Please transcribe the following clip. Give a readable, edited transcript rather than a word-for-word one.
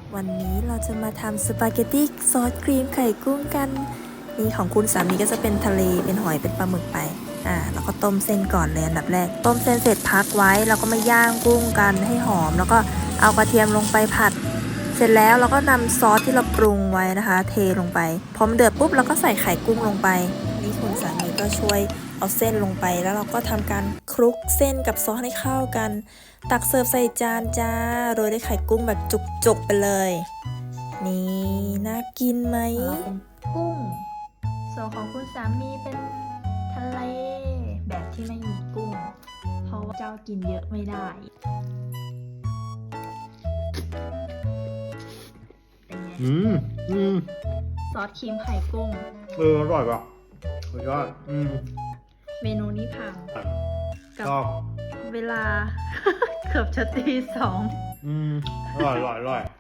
วันนี้เราจะมาทำสปาเกตตี้ซอสครีมไข่กุ้งกันนี่ของคุณสามีก็จะเป็นทะเลเป็นหอยเป็นปลาหมึกไปแล้วก็ต้มเส้นก่อนเลยอันดับแรกต้มเส้นเสร็จพักไว้แล้วก็มาย่างกุ้งกันให้หอมแล้วก็เอากระเทียมลงไปผัดเสร็จแล้วเราก็นำซอสที่เราปรุงไว้นะคะเทลงไปพอมันเดือดปุ๊บเราก็ใส่ไข่กุ้งลงไปนี่คุณสามีก็ช่วยเอาเส้นลงไปแล้วเราก็ทำการคลุกเส้นกับซอสให้เข้ากันตักเสิร์ฟใส่จานจ้าโรยด้วยไข่กุ้งแบบจุกๆไปเลยนี่น่ากินไหมเป็นกุ้งส่วนของคุณสามีเป็นทะเลแบบที่ไม่มีกุ้งเพราะว่าเจ้ากินเยอะไม่ได้เป็นไงซอสครีมไข่กุ้งอร่อยป่ะสุดยอดเมนูนี้พังกัชอบเวลา เกือบจะตี 2 อร่อย